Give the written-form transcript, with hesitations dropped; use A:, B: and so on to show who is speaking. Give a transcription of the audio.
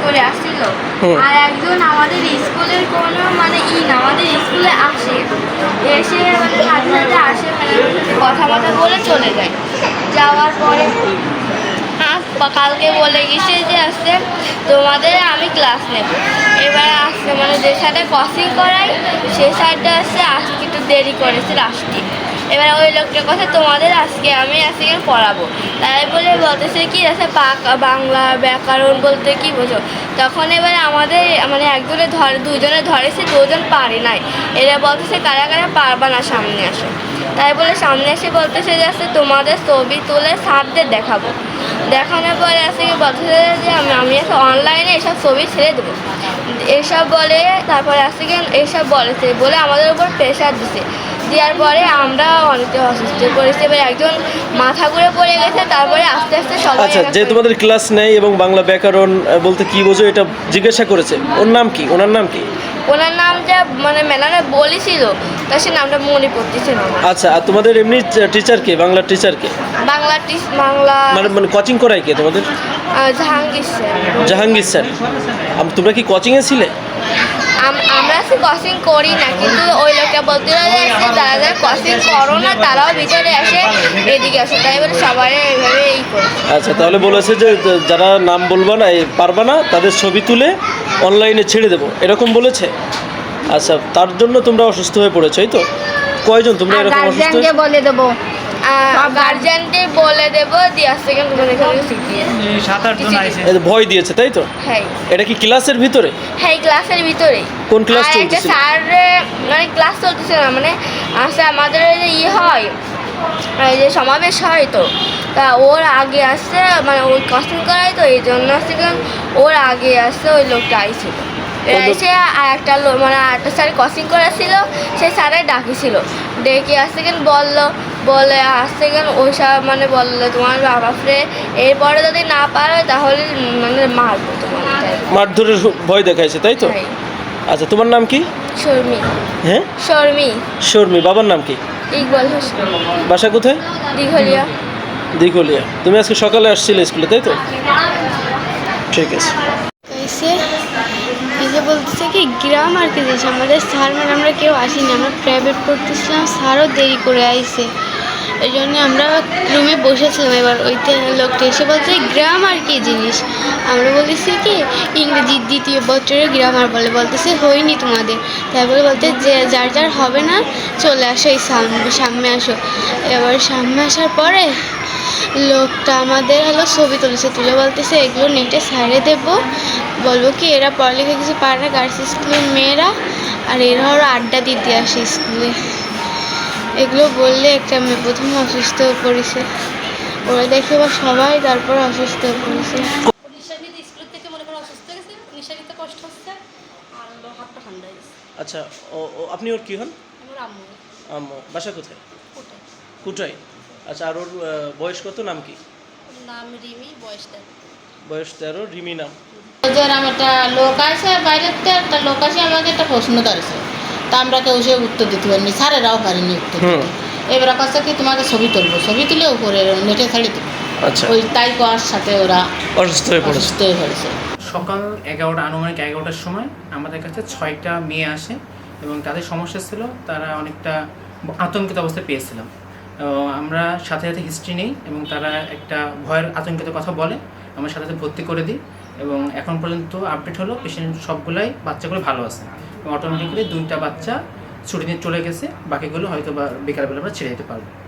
A: করে আসছিল, আর একজন আমাদের স্কুলের কোনো মানে আমাদের স্কুলে আসে, এসে মানে মাঝে মাঝে আসে, কথা বলে চলে যায়। যাওয়ার পরে কালকে বলে গেছে যে আসছে তোমাদের আমি ক্লাস নেব। এবার আসছে মানে যে সাইডে কোচিং করাই সে সাইডটা আসছে, আজকে একটু দেরি করেছে আসতে। এবার ওই লোকটার কথা তোমাদের আমি আজকে পড়াবো, তাই বলে বলতেছে কি আছে বাংলা ব্যাকরণ বলতে কি বোঝো। তখন এবার আমাদের মানে দুজনে ধরেছে, দুজন পারে নাই। এরা বলতেছে কারা কারা পারবা না সামনে আসো। তাই বলে সামনে এসে বলতেছে যে আসছে তোমাদের ছবি তুলে স্যারদের দেখাবো। দেখানোর পরে আসে বলতেছে যে আমি একটা অনলাইনে এসব ছবি ছেড়ে দেবো এইসব বলে। তারপরে আসে এইসব বলেছে বলে আমাদের উপর প্রেশার দিছে। দেওয়ার পরে আমরা অনেকটা অসুস্থ করেছি। এবার একজন মাথা ঘুরে পড়ে গেছে। তারপরে আস্তে আস্তে সবাই
B: আচ্ছা, যে তোমাদের ক্লাস নেই এবং বাংলা ব্যাকরণ বলতে কি বোঝো এটা জিজ্ঞাসা করেছে, ওর নাম কি? ওনার নাম কি?
A: ওনার নাম যা মানে ম্যাডামরা বলেছিল তা সে নামটা মনে পড়তেছে না।
B: আচ্ছা, আর তোমাদের এমনি টিচার কে? বাংলার টিচার কে?
A: বাংলা
B: মানে কোচিং করায় কে তোমাদের?
A: জাহাঙ্গীর স্যার।
B: জাহাঙ্গীর স্যার। তোমরা কি কোচিংয়ে ছিলে?
A: আমরা কোচিং করি না, কিন্তু ওই লোকটা বলতে যারা যারা কোচিং করো না তারাও ভিতরে আসে, এদিকে আসে। তাই বলে সবাই এইভাবে করে।
B: আচ্ছা, তাহলে বলেছে যে যারা নাম বলবা না পারবা না তাদের ছবি তুলে অনলাইনে ছেড়ে দেবো, এরকম বলেছে। আচ্ছা, তার জন্য তোমরা অসুস্থ হয়ে পড়েছো, এই তো? কয়জন তোমরা এরকম অসুস্থ?
A: বলে দেবো, গার্জিয়ানকে বলে দেবো, দিয়ে আসতে গেলে তোমাদের এখানে শিখিয়ে
C: 7-8 জন আইছে।
B: ভয় দিয়েছে, তাই তো?
A: হ্যাঁ।
B: এটা কি ক্লাসের ভিতরে?
A: হ্যাঁ, ক্লাসের ভিতরে।
B: কোন ক্লাস চলতেছে?
A: স্যার মানে ক্লাস চলতেছে না, মানে আসলে আমাদের হয় এই যে সমাবেশ হয়, তো তা ওর আগে আসছে মানে ওই কোচিং করাই, তো এই জন্য আসছে ওর আগে আসছে ওই লোকটা আইছিল। এসে আর একটা মানে আরেকটা স্যার কোচিং করেছিল, সেই স্যারে ডাকিছিল, ডেকে আসছে বলে আসছে ওই সব মানে বললো তোমার বাবা ফ্রে এরপরে যদি না পারো তাহলে মানে মারবো তোমার।
B: মারধরের ভয় দেখাইছে, তাই তো? আচ্ছা, তোমার নাম কি?
A: শর্মি।
B: হ্যাঁ, শর্মি। বাবার নাম কি?
A: ইকবাল হোসেন।
B: বাসা কোথায়?
A: দিঘলিয়া।
B: তুমি আজকে সকালে আসছিলে স্কুলে, তাই তো? ঠিক আছে।
D: এসে বলতেছে কি গ্রামার কি জিনিস, আমাদের স্যার ম্যাডামরা কেউ আসেনি, আমরা প্রাইভেট পড়তেছিলাম, স্যারও দেরি করে আইছে। এই জন্য আমরা রুমে বসেছিলাম। এবার ওইতে লোকটা এসে বলছে গ্রামার কি জিনিস। আমরা বলতেছি কি ইংরেজির 2য় বছরে গ্রামার বলতেছে হয়নি তোমাদের। তারপরে বলতে যে যার যার হবে না চলে আসো, এই সামনে আসো। এবার সামনে আসার পরে লোকটা আমাদের ছবি তুলে বলতেছে এগুলো নেটে ছাড়ে দেবো, বলবো কি এরা পড়ালেখা কিছু পারে না, গার্লস স্কুলের মেয়েরা, আর এরা আড্ডা দিতে আসে স্কুলে। এগুলো বললে একটা মেয়ে প্রথমে অসুস্থ হয়ে পড়েছে, ওরা দেখে বা সবাই তারপর অসুস্থ হয়ে পড়েছে।
E: নিঃশ্বাস নিতে স্কুল থেকে মনে করো অসুস্থ হয়ে গেছে, নিঃশ্বাস নিতে কষ্ট হচ্ছে, আর হাতটা ঠান্ডা হয়ে গেছে।
B: আচ্ছা, আপনি ওর কি হন?
E: আমার আম্মু।
B: বাসা কোথায়?
E: কোথায়?
B: কুটাই। আচ্ছা, আর ওর বয়স কত? নাম কি?
E: নাম রিমি, বয়স 13।
B: বয়স 13, রিমি নাম।
F: একটা লোক আছে বাইরের থেকে, একটা লোক আছে আমাকে একটা প্রশ্ন করেছে, তা আমরা কেউ সে উত্তর দিতে পারিনি, স্যারেরাও পারিনি উত্তর দিতে। এবার কাছে কি তোমাকে ছবি তুলে উপরে নেটে ছাড়ি দেবো।
B: আচ্ছা,
F: ওই তাই করার সাথে ওরা
B: অসুস্থ হয়ে
F: পড়েছে।
C: সকাল 11টা, আনুমানিক 11টার সময় আমাদের কাছে 6টা মেয়ে আসে এবং তাদের সমস্যা ছিল, তারা অনেকটা আতঙ্কিত অবস্থায় পেয়েছিলাম। আমরা সাথে সাথে হিস্ট্রি নেই এবং তারা একটা ভয়ের আতঙ্কিত কথা বলে, আমরা সাথে সাথে ভর্তি করে দিই এবং এখন পর্যন্ত আপডেট হলো পেশেন্ট সবগুলাই বাচ্চাগুলো ভালো আছে এবং অটোমেটিক্যালি 2টা বাচ্চা ছুটি নিয়ে চলে গেছে, বাকিগুলো হয়তো বা বিকালবেলা আমরা ছেড়ে দিতে পারবো।